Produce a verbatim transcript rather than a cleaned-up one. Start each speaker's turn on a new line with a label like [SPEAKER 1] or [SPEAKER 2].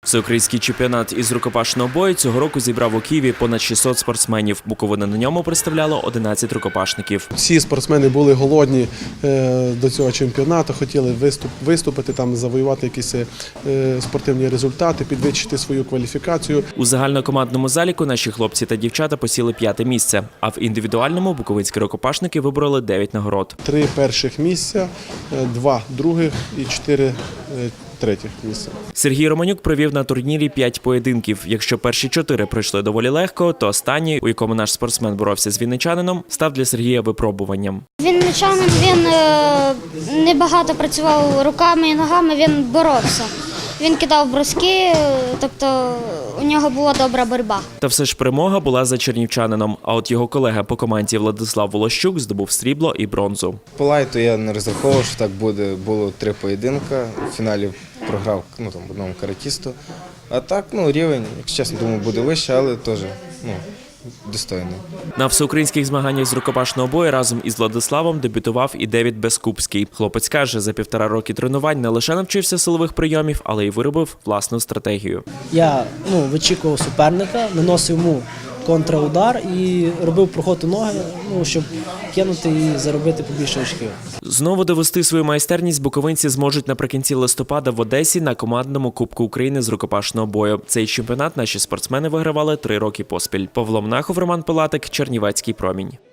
[SPEAKER 1] Всеукраїнський чемпіонат із рукопашного бою цього року зібрав у Києві понад шістсот спортсменів. Буковина на ньому представляло одинадцять рукопашників.
[SPEAKER 2] Всі спортсмени були голодні до цього чемпіонату, хотіли виступ, виступити, там, завоювати якісь спортивні результати, підвищити свою кваліфікацію.
[SPEAKER 1] У загальнокомандному заліку наші хлопці та дівчата посіли п'яте місце, а в індивідуальному буковинські рукопашники вибороли дев'ять нагород.
[SPEAKER 2] Три перших місця, два других і чотири третіх місця.
[SPEAKER 1] Сергій Романюк провів на турнірі п'ять поєдинків. Якщо перші чотири пройшли доволі легко, то останній, у якому наш спортсмен боровся з вінничанином, став для Сергія випробуванням.
[SPEAKER 3] Вінничанин, він небагато працював руками і ногами, він боровся. Він кидав броски, тобто у нього була добра боротьба.
[SPEAKER 1] Та все ж перемога була за чернівчанином, а от його колега по команді Владислав Волощук здобув срібло і бронзу.
[SPEAKER 4] По лайту я не розраховував, що так буде. Було три поєдинка, в фіналі програв ну, там, одному каратісту. А так, ну, рівень, якщо чесно, думаю, буде вище, але теж ну, достойний.
[SPEAKER 1] На всеукраїнських змаганнях з рукопашного бою разом із Владиславом дебютував і Девід Бескупський. Хлопець каже, за півтора роки тренувань не лише навчився силових прийомів, але й виробив власну стратегію.
[SPEAKER 5] Я ну, вичікував суперника, наносив йому контраудар і робив проход у ноги, ну, щоб кинути і заробити побільше очків.
[SPEAKER 1] Знову довести свою майстерність буковинці зможуть наприкінці листопада в Одесі на командному Кубку України з рукопашного бою. Цей чемпіонат наші спортсмени вигравали три роки поспіль. Павло Мнахов, Роман Пилатик, Чернівецький промінь.